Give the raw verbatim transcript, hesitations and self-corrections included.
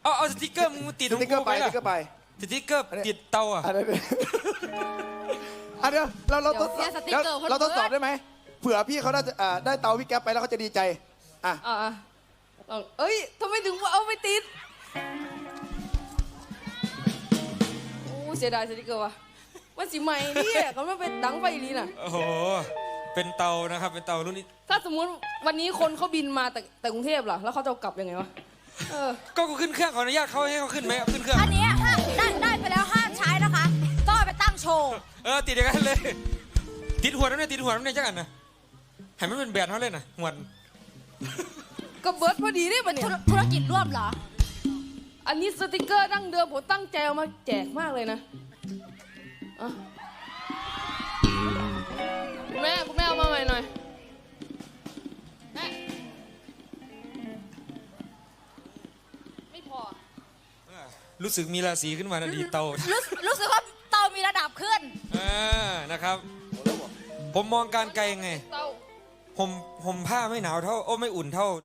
เอาเอาสติ๊กเกอร์มึงติดสติ๊กเกอร์ไปสติ๊กเกอร์ไปสติ๊กเกอร์ติดเตาอ่ะอันนี้อันเดียวเราเราทดสอบเราทดสอบได้ไหมเผื่อพี่เขาได้ได้เตาพี่แก๊ปไปแล้วเขาจะดีใจอ่ะอ่าเอ้ยทำไมถึงเอาไปติดโอ้เสียดายสติ๊กเกอร์ว่ะมันสีใหม่เนี่ยเขาไม่เป็นดังไฟลีน่ะโอ้โหเป็นเตานะครับเป็นเตารุ่นนี้ถ้าสมมุติวันนี้คนเขาบินมาแต่แต่กรุงเทพล่ะแล้วเขาจะกลับยังไงวะเออก็ขึ้นเครื่องขออนุญาตเขาให้เขาขึ้นไหมขึ้นเครื่องอันนี้ห้ามได้ได้ไปแล้วห้ามใช้นะคะต้องเอาไปตั้งโชว์เออติดอย่างนั้นเลยติดหัวน้ำเนี่ยติดหัวน้ำเนี่ยจังอันนะให้มันเป็นแบรนด์เขาเลยนะหัวก็เบิร์ดพอดีนี่ปะเนี่ยธุรกิจร่วมเหรออันนี้สติกเกอร์ดั้งเดิมผมตั้งใจเอามาแจกมากเลยนะคุณแม่คุณแม่เอามาใหม่หน่อยแม่ไม่พอรู้สึกมีราศีขึ้นมานะดีเตารู้รู้สึกว่าเตามีระดับขึ้นอ่านะครับผมมองการไกลไงผมผมผ้าไม่หนาวเท่าโอ้ไม่อุ่นเท่า